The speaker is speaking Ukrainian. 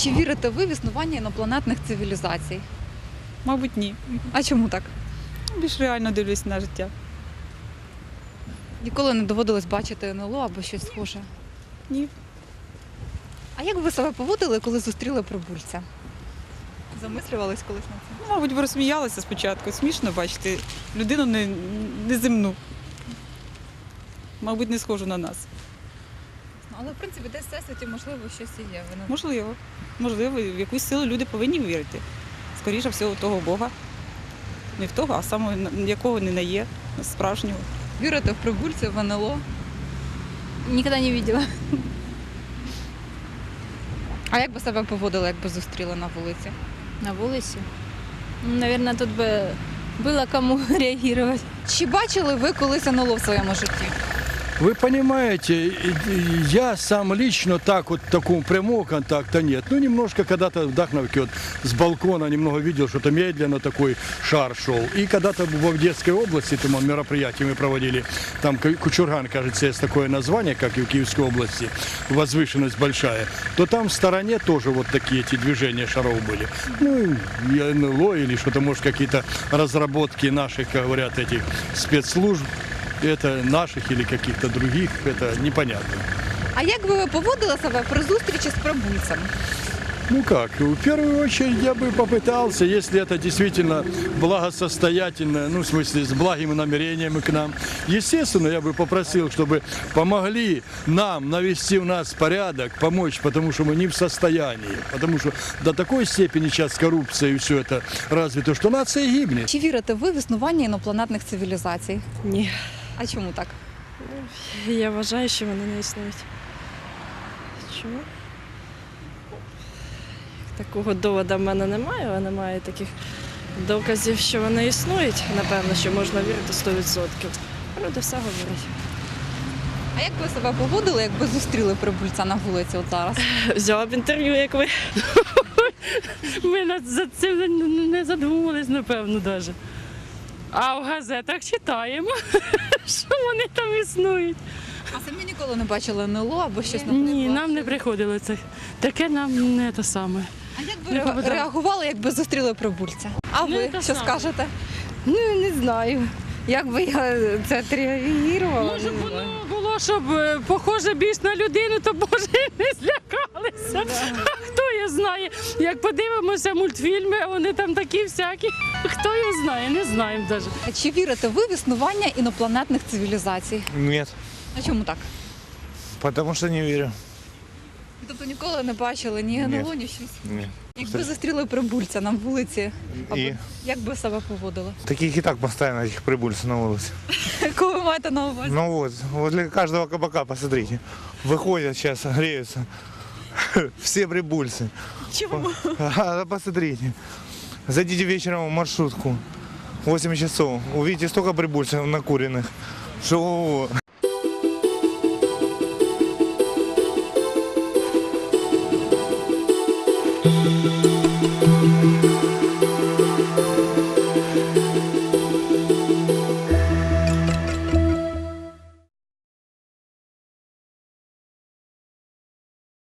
Чи вірите ви в існування інопланетних цивілізацій? Мабуть, ні. А чому так? Більш реально дивлюсь на життя. Ніколи не доводилось бачити НЛО або щось схоже? Ні. А як ви себе поводили, коли зустріли прибульця? Замислювались колись на це? Ну, мабуть, б розсміялася спочатку. Смішно бачити людину неземну. Мабуть, не схожу на нас. Але, в принципі, десь в всесвіті, можливо, щось і є. Ви не- Можливо. Можливо, в якусь силу люди повинні вірити. Скоріше всього, в того Бога. Не в того, а саме якого не є, справжнього. Вірите в прибульців, в НЛО? Никогда не видела. А як би себе поводили, якби зустріли на вулиці? На вулиці? Наверное, тут бы было кому реагировать. Чи бачили ви колись НЛО в своєму житті? Вы понимаете, я сам лично так вот такого прямого контакта нет. Ну, немножко когда-то в Дахновке вот с балкона немного видел, что-то медленно такой шар шел. И когда-то в Одесской области, там мероприятие мы проводили, там Кучурган, кажется, есть такое название, как и в Киевской области, возвышенность большая, то там в стороне тоже вот такие эти движения шаров были. Ну, и НЛО или что-то, может, какие-то разработки наших, как говорят, этих спецслужб. Это наших или каких-то других, это непонятно. А як би ви поводили себе при зустрічі з прибульцем? Ну как, в первую очередь я бы попытался, если это действительно благосостоятельно, ну в смысле с благими намерениями к нам, естественно, я бы попросил, чтобы помогли нам навести у нас порядок, помочь, потому что мы не в состоянии, потому что до такой степени сейчас коррупция и все это развито, что нация гибнет. Чи вірите ви в існування інопланетних цивілізацій? Ні, А чому так? я вважаю, що вони не існують. Чому? Такого доводу в мене немає, але немає таких доказів, що вони існують. Напевно, що можна вірити 100%. Люди все говорять. А як ви себе поводили, якби зустріли прибульця на вулиці от зараз? Взяла б інтерв'ю, як ви. Ми за цим не задумувались, напевно, навіть. А в газетах читаємо, що вони там існують. А самі ніколи не бачили НЛО або щось Ні, нам не приходило це. Таке нам не те саме. А як ви реагували, якби зустріли прибульця? А Ну, ви те що саме. скажете? Ну, не знаю. Як би я це відреагувала? Може б воно було, щоб похоже більш на людину, то може і не злякалися. Хто його знає? Як подивимося мультфільми, вони там такі всякі. Хто його знає, не знаємо навіть. А чи вірите ви в існування інопланетних цивілізацій? Нет, А чому так? потому что не верю. Тобто ніколи не бачили ні НЛО, ні щось? Нет. Якби зустріли прибульця на вулиці, И як би себе поводили? таких и так постоянно, этих прибульцев на улице. Кого ви маєте на увазі? Ну вот, возле каждого кабака, посмотрите, выходят сейчас, греются. Все прибульцы. Чому? Посмотрите. Зайдите вечером в маршрутку, 8 часов, увидите столько прибульцев накуренных, что ого-го. Thank you.